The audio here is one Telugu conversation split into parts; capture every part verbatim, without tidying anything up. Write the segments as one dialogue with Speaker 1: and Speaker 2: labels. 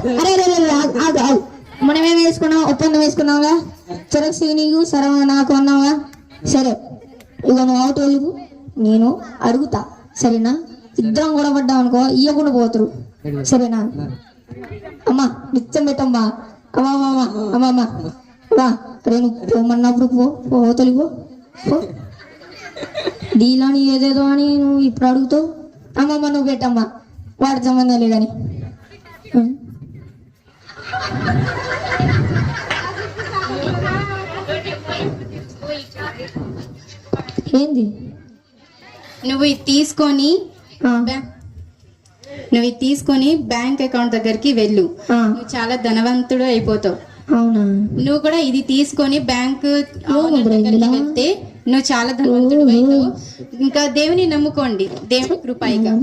Speaker 1: అరే మనం ఏం వేసుకున్నాం, ఒప్పందం వేసుకున్నావుగా, చెరక్స్ నీకు సరవ నాకు అన్నావుగా. సరే ఇక నువ్వు అవుట్ వెలుగు, నేను అడుగుతా సరేనా? ఇద్దరం కూడా పడ్డాం అనుకో ఇయ్యకుండా పోతారు సరేనా? అమ్మా నిత్యం పెట్టమ్మా. అమ్మా అమ్మా అమ్మా అమ్మా రా రే, నువ్వు పోమన్నప్పుడు పో పో తొలిపో పో. డీలని ఏదేదో అని నువ్వు ఇప్పుడు అడుగుతావు. అమ్మమ్మ నువ్వు పెట్టమ్మా, వాడి సంబంధం లేదని. ఏంది
Speaker 2: నువ్వు ఇది తీసుకొని నువ్వు ఇది తీసుకొని బ్యాంక్ అకౌంట్ దగ్గరికి వెళ్ళు. నువ్వు చాలా ధనవంతుడు అయిపోతావు.
Speaker 1: అవునా?
Speaker 2: నువ్వు కూడా ఇది తీసుకొని బ్యాంక్ వెళ్తే నువ్వు చాలా ధనవంతుడు అవుతావు. ఇంకా దేవుని నమ్ముకోండి, దేవుని కృపైగా.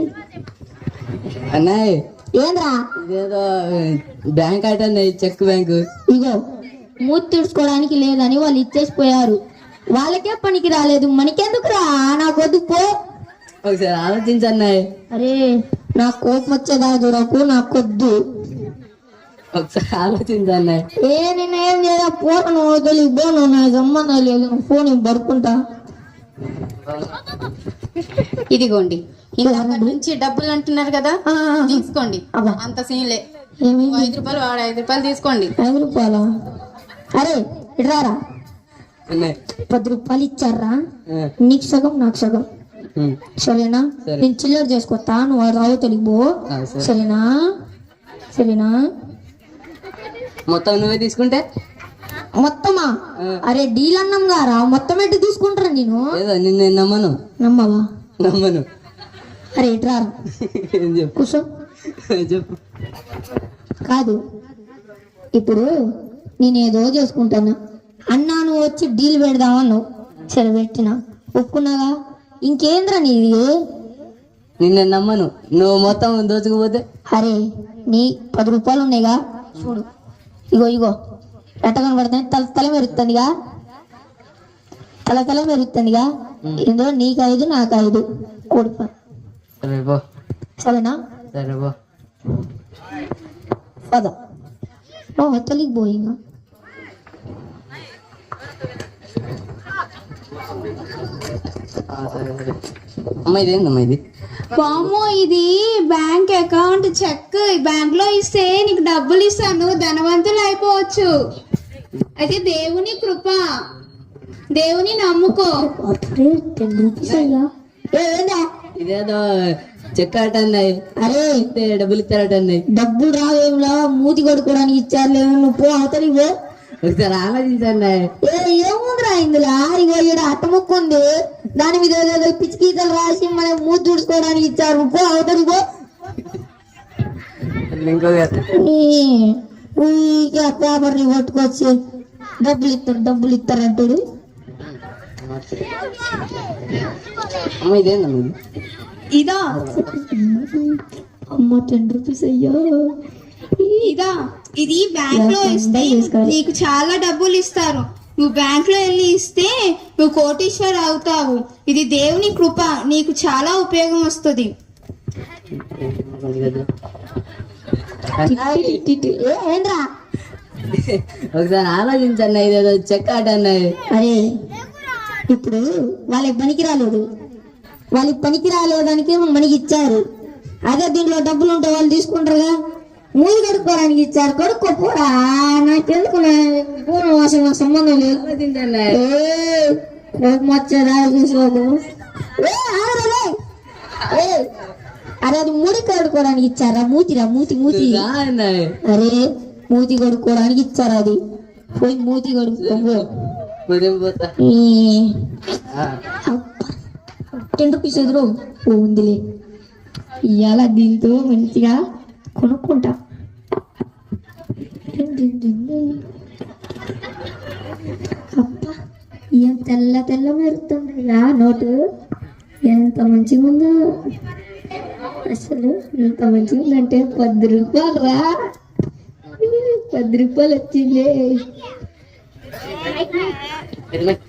Speaker 3: అన్నయ్య
Speaker 1: ఏంద్రా
Speaker 3: ఇదేదో బ్యాంక్ అంటే చెక్ బ్యాంకు.
Speaker 1: ఇగో మూతి తుడుచుకోవడానికి లేదని వాళ్ళు ఇచ్చేసిపోయారు, వాళ్ళకే పనికి రాలేదు, మనకెందుకురా? నాకు వద్దు పో.
Speaker 3: ఒకసారి ఆలోచించన్నాయి.
Speaker 1: అరే నాకు కోపం వచ్చేదా చూడకు, నాకు వద్దు.
Speaker 3: ఒకసారి ఆలోచించన్నాయి.
Speaker 1: ఏ నేనేం చేయాలి, పోను తెలియదు, పోను నాకు సంబంధం లేదు, ఫోన్ పడుకుంటా.
Speaker 2: ఇదిగోండి ఇంకా నుంచి డబ్బులు అంటున్నారు కదా, తీసుకోండి. అంత సీన్లే, ఐదు రూపాయలు వాడు ఐదు రూపాయలు తీసుకోండి.
Speaker 1: ఐదు రూపాయలా? అరే ఇట్రారా, పది రూపాయలు ఇచ్చారా, నీకు సగం నాకు సగం సరేనా? నేను చిల్లర చేసుకొస్తా, నువ్వు రావు తెలిపో సరేనా? సరేనా?
Speaker 3: మొత్తం నువ్వే తీసుకుంటే
Speaker 1: మొత్తమా? అరే డీల్ అన్నాం గారా, మొత్తం ఎట్టు తీసుకుంటారా? నేను
Speaker 3: నిన్ను నమ్మను.
Speaker 1: నమ్మవా?
Speaker 3: నమ్మను.
Speaker 1: అరే ఇట్రారా, కూర్చో.
Speaker 3: చెప్పు.
Speaker 1: కాదు ఇప్పుడు నేనేదో చేసుకుంటాను అన్నా, నువ్వు వచ్చి డీల్ పెడదామన్నావు, సరే పెట్టినా, ఒప్పుకున్నాగా. ఇంకేంద్రా నీది?
Speaker 3: నిన్ను నమ్మను, నువ్వు మొత్తం దోచుకుపోతే.
Speaker 1: అరే నీ పది రూపాయలు ఉన్నాయిగా, చూడు ఇగో ఇగో ఎట్ట కనబడుతుంది, తల తల మెరుస్తుందిగా, తల తల మెరుస్తుందిగా. ఇందులో నీకు ఐదు నాకు ఐదు కొడుకు, సరేనా? పద తొలికి పోయింగా.
Speaker 3: అమ్మా ఇదేందమ్మా ఇది?
Speaker 2: బామ్మో ఇది బ్యాంక్ అకౌంట్ చెక్. బ్యాంక్ లో ఇస్తే నీకు డబ్బులు ఇస్తాను, ధనవంతులు అయిపోవచ్చు. అయితే దేవుని కృప, దేవుని నమ్ముకో.
Speaker 3: ఇదేదో చెక్ అటన్నాయి.
Speaker 1: అరే
Speaker 3: డబ్బులు ఇస్తారటన్నాయి.
Speaker 1: డబ్బులు రావేలా, మూతి కొడుకోవడానికి ఇచ్చారు, నువ్వు పో అవతలికి పో.
Speaker 3: ఒకసారి ఆలోచించండి.
Speaker 1: ఏముందిరా ఇందులో, ఇగో ఇక్కడ అట్టముక్కు ఉంది, దాని మీద ఏదో పిచ్చి గీతలు రాసి మనం మూతి తుడుచుకోవడానికి ఇచ్చారు, పో అవతలికి పో. పేపర్ని పట్టుకొచ్చి డబ్బులు ఇస్తారు డబ్బులు ఇస్తారు అంటాడు.
Speaker 2: ఇదా
Speaker 1: అమ్మ టెన్ రూపీస్ అయ్యా.
Speaker 2: ఇదా ఇది బ్యాంక్ లో ఇస్తే నీకు చాలా డబ్బులు ఇస్తారు. నువ్వు బ్యాంక్ లో వెళ్ళి ఇస్తే నువ్వు కోటీశ్వర్ అవుతావు. ఇది దేవుని కృప, నీకు చాలా ఉపయోగం వస్తుంది.
Speaker 3: ఒకసారి ఆలోచించండి, ఇదేదో చెక్ ఆట అన్నాయి.
Speaker 1: అరే ఇప్పుడు వాళ్ళకి పనికి రాలేదు, వాళ్ళకి పనికి రాలేదానికి మనకి ఇచ్చారు. అదే దీంట్లో డబ్బులు ఉంటే వాళ్ళు తీసుకుంటారుగా, మూది కడుక్కోవడానికి ఇచ్చారు, కడుక్కోపోరా. నాకెందుకు అసలు సంబంధం లేదు. కోపం వచ్చేదా చూసుకోకు. అరే అది మూడి కడుక్కోవడానికి ఇచ్చారా? మూతిరా మూతి మూతి. అరే మూతి కడుక్కోవడానికి ఇచ్చారు, అది పోయి మూతి కడుక్కోపో. టెన్ రూపీస్ ఎదురు ఉందిలే, ఇవాళ దీంతో మంచిగా కొనుక్కుంటా. అబ్బా ఏం తెల్ల తెల్ల మెరుతుందిగా నోటు, ఎంత మంచిగా ఉందో అసలు. ఎంత మంచిగా ఉందంటే పది రూపాయలు రా, పది రూపాయలు వచ్చింది.